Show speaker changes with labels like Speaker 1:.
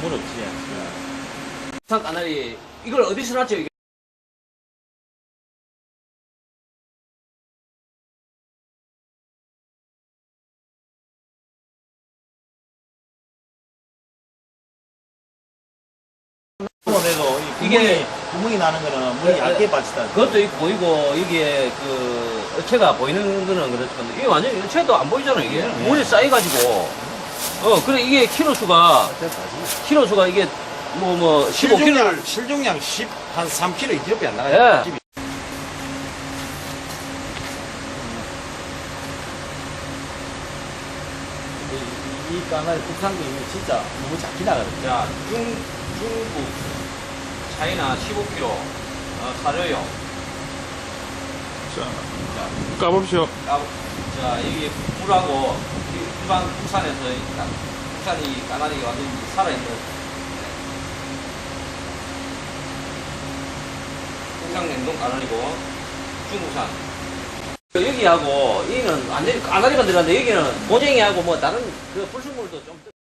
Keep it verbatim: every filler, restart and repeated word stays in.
Speaker 1: 부럽지.
Speaker 2: 산 까나리 이걸 어디서 났죠 이게?
Speaker 1: 그래도
Speaker 2: 이게-
Speaker 1: 이게 구멍이 나는 거는 물이
Speaker 2: 네,
Speaker 1: 얇게 빠지다.
Speaker 2: 그것도 있고 보이고 이게 그 어체가 보이는 거는 그렇지만 이게 완전히 어체도 안 보이잖아 이게
Speaker 1: 네.
Speaker 2: 물이 쌓여가지고 어 그래 이게 키로 수가 키로 수가 이게 뭐 뭐 십오 킬로그램
Speaker 1: 실종량 실종량 십 한 삼 킬로그램 이 킬로그램 안 나가요.
Speaker 2: 예.
Speaker 1: 이, 이 까나리 국산금이 진짜 너무 작게 나가거든요.
Speaker 2: 자, 중, 중국, 차이나 십오 킬로그램, 어, 사료용.
Speaker 3: 자,
Speaker 2: 자,
Speaker 3: 까봅시오.
Speaker 2: 까, 자, 이게 물하고 이- 일반 국산에서, 이 까- 국산이 까나리가 완전히 살아있는 국산 냉동 까나리고, 중국산. 여기하고, 여기는 완전히 까나리만 들어갔는데, 여기는 고쟁이하고 뭐 다른 그 불순물도 좀.